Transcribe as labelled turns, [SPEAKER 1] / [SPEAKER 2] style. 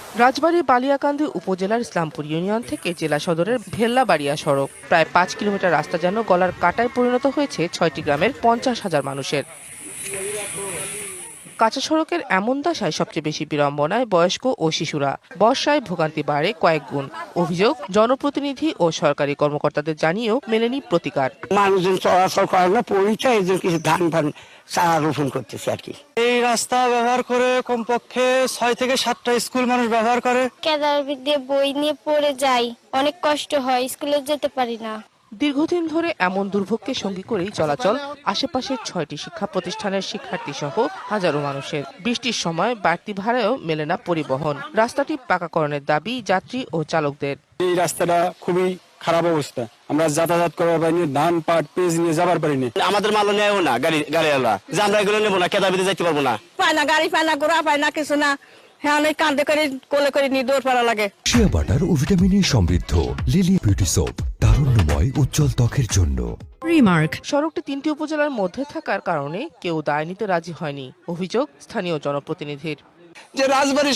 [SPEAKER 1] রাজবাড়ী বালিয়াকান্দি উপজেলার ইসলামপুর ইউনিয়ন থেকে জেলা সদরের ভেল্লাবাড়িয়া সড়ক প্রায় ৫ কিলোমিটার রাস্তা যেন গলার কাঁটায় পরিণত হয়েছে ৬টি গ্রামের ৫০,০০০ মানুষের। কাঁচা সড়কের এমন দশায় সবচেয়ে বেশি বিড়ম্বনায় বয়স্ক ও শিশুরা। বর্ষায় ভোগান্তি বাড়ে কয়েক গুণ। অভিযোগ, জনপ্রতিনিধি ও সরকারি কর্মকর্তাদের জানিয়েও মেলেনি প্রতিকার।
[SPEAKER 2] মানুষজন চলাচল করে না, পরিচয় এই জন্য কিছু ধান চারা রোপণ করতেছে আর কি।
[SPEAKER 3] এই রাস্তা ব্যবহার করে কমপক্ষে ৬ থেকে ৭টা স্কুল মানুষ ব্যবহার করে।
[SPEAKER 4] কেদার দিয়ে বই নিয়ে পড়ে যাই, অনেক কষ্ট হয়, স্কুলে যেতে পারি না।
[SPEAKER 1] দীর্ঘদিন ধরে এমন দুর্ভোগকে সঙ্গী করেই চলাচল আশেপাশের ৬টি শিক্ষা প্রতিষ্ঠানের শিক্ষার্থী সহ হাজারো মানুষের। বৃষ্টির সময় বাড়তি ভাড়ায়ও মেলে না পরিবহন। রাস্তাটি পাকাকরণের দাবি যাত্রী ও চালকদের।
[SPEAKER 5] এই রাস্তাটা খুবই খারাপ অবস্থা, আমরা যাতায়াত করার পারিনি, ধান পাট পেঁয়াজ নিয়ে যাবার পারিনি।
[SPEAKER 6] আমাদের মালও নেও না গাড়িওয়ালা, যে আমরা এগুলো নেবো না, কেদাবিতে যাইতে পারবো না।
[SPEAKER 7] পায় না গাড়ি, পায় না ঘোড়া, পায় না কিছু না। হ্যাঁ, অনেক কান্দে করে কোলে করে নিয়ে দৌড় পাড়া লাগে।
[SPEAKER 8] শিয়া বাটার ও ভিটামিনে সমৃদ্ধ লিলি বিউটি সোপ, তারুণ্যময় উজ্জ্বল ত্বকের জন্য।
[SPEAKER 9] রিমার্ক,
[SPEAKER 1] সড়কটি ৩টি উপজেলার মধ্যে থাকার কারণে কেউ দায় নিতে রাজি হয়নি। অভিযোগ স্থানীয় জনপ্রতিনিধির।
[SPEAKER 2] যে রাজবাড়ী